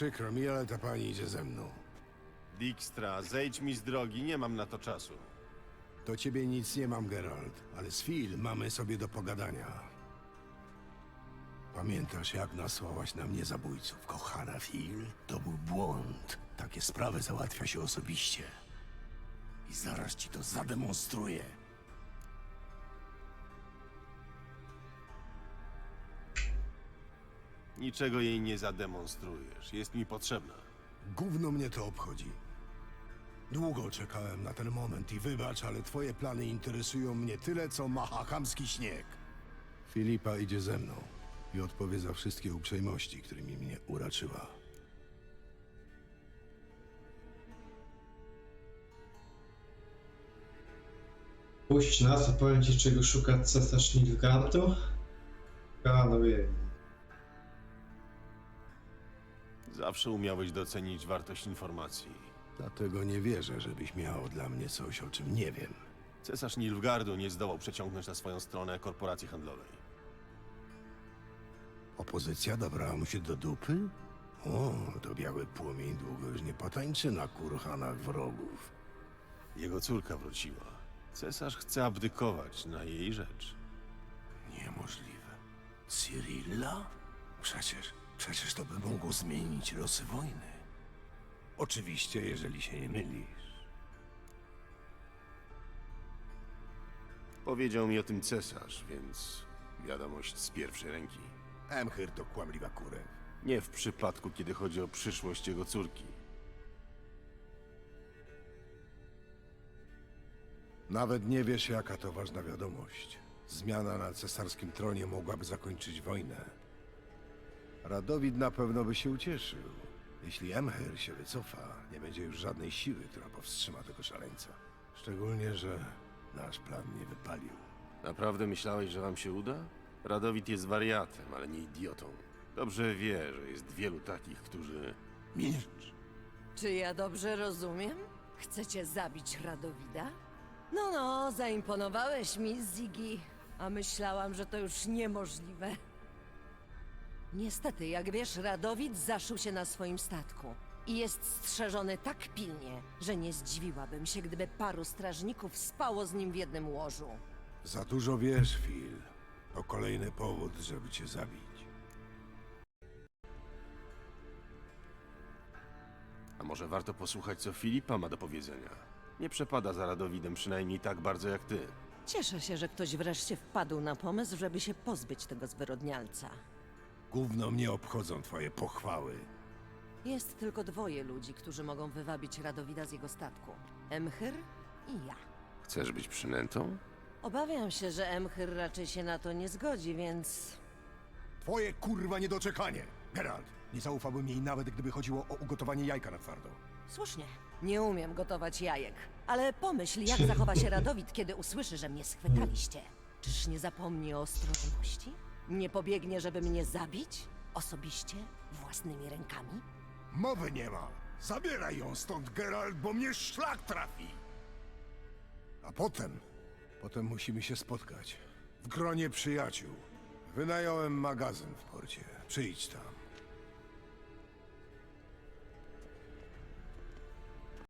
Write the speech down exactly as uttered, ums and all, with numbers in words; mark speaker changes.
Speaker 1: Przykro mi, ale ta pani idzie ze mną.
Speaker 2: Dijkstra, zejdź mi z drogi, nie mam na to czasu.
Speaker 1: Do ciebie nic nie mam, Geralt, ale z Phil mamy sobie do pogadania. Pamiętasz, jak nasłałaś na mnie zabójców, kochana Phil? To był błąd. Takie sprawy załatwia się osobiście. I zaraz ci to zademonstruję.
Speaker 2: Niczego jej nie zademonstrujesz, jest mi potrzebna.
Speaker 1: Gówno mnie to obchodzi. Długo czekałem na ten moment i wybacz, ale twoje plany interesują mnie tyle, co mahahamski śnieg. Filipa idzie ze mną i odpowie za wszystkie uprzejmości, którymi mnie uraczyła.
Speaker 3: Puść nas, opowiem ci, czego szuka cesarz Nilfgaardu. A, no wiem.
Speaker 2: Zawsze umiałeś docenić wartość informacji.
Speaker 1: Dlatego nie wierzę, żebyś miał dla mnie coś, o czym nie wiem.
Speaker 2: Cesarz Nilfgaardu nie zdołał przeciągnąć na swoją stronę korporacji handlowej.
Speaker 1: Opozycja dobrała mu się do dupy? O, to biały płomień długo już nie potańczy na kurhanach wrogów.
Speaker 2: Jego córka wróciła. Cesarz chce abdykować na jej rzecz.
Speaker 1: Niemożliwe. Cyrilla? Przecież, przecież to by mogło zmienić losy wojny. Oczywiście, jeżeli się nie mylisz.
Speaker 2: Powiedział mi o tym cesarz, więc wiadomość z pierwszej ręki.
Speaker 1: Emhyr to kłamliwa kurew.
Speaker 2: Nie w przypadku, kiedy chodzi o przyszłość jego córki.
Speaker 1: Nawet nie wiesz, jaka to ważna wiadomość. Zmiana na cesarskim tronie mogłaby zakończyć wojnę. Radowid na pewno by się ucieszył. Jeśli Emhyr się wycofa, nie będzie już żadnej siły, która powstrzyma tego szaleńca. Szczególnie, że nasz plan nie wypalił.
Speaker 2: Naprawdę myślałeś, że wam się uda? Radowid jest wariatem, ale nie idiotą. Dobrze wie, że jest wielu takich, którzy...
Speaker 1: Milcz!
Speaker 4: Czy ja dobrze rozumiem? Chcecie zabić Radowida? No, no, zaimponowałeś mi, Ziggy. A myślałam, że to już niemożliwe. Niestety, jak wiesz, Radowid zaszył się na swoim statku. I jest strzeżony tak pilnie, że nie zdziwiłabym się, gdyby paru strażników spało z nim w jednym łożu.
Speaker 1: Za dużo wiesz, Phil. To kolejny powód, żeby cię zabić.
Speaker 2: A może warto posłuchać, co Filipa ma do powiedzenia? Nie przepada za Radowidem przynajmniej tak bardzo jak ty.
Speaker 4: Cieszę się, że ktoś wreszcie wpadł na pomysł, żeby się pozbyć tego zwyrodnialca.
Speaker 1: Gówno mnie obchodzą twoje pochwały.
Speaker 4: Jest tylko dwoje ludzi, którzy mogą wywabić Radowida z jego statku. Emhyr i ja.
Speaker 2: Chcesz być przynętą?
Speaker 4: Obawiam się, że Emhyr raczej się na to nie zgodzi, więc...
Speaker 1: Twoje kurwa niedoczekanie! Geralt, nie zaufałbym jej nawet, gdyby chodziło o ugotowanie jajka na twardo.
Speaker 4: Słusznie. Nie umiem gotować jajek. Ale pomyśl, jak zachowa się Radowid, kiedy usłyszy, że mnie schwytaliście. Czyż nie zapomni o ostrożności? Nie pobiegnie, żeby mnie zabić? Osobiście? Własnymi rękami?
Speaker 1: Mowy nie ma! Zabieraj ją stąd, Geralt, bo mnie szlak trafi! A potem... Potem musimy się spotkać. W gronie przyjaciół. Wynająłem magazyn w porcie. Przyjdź tam.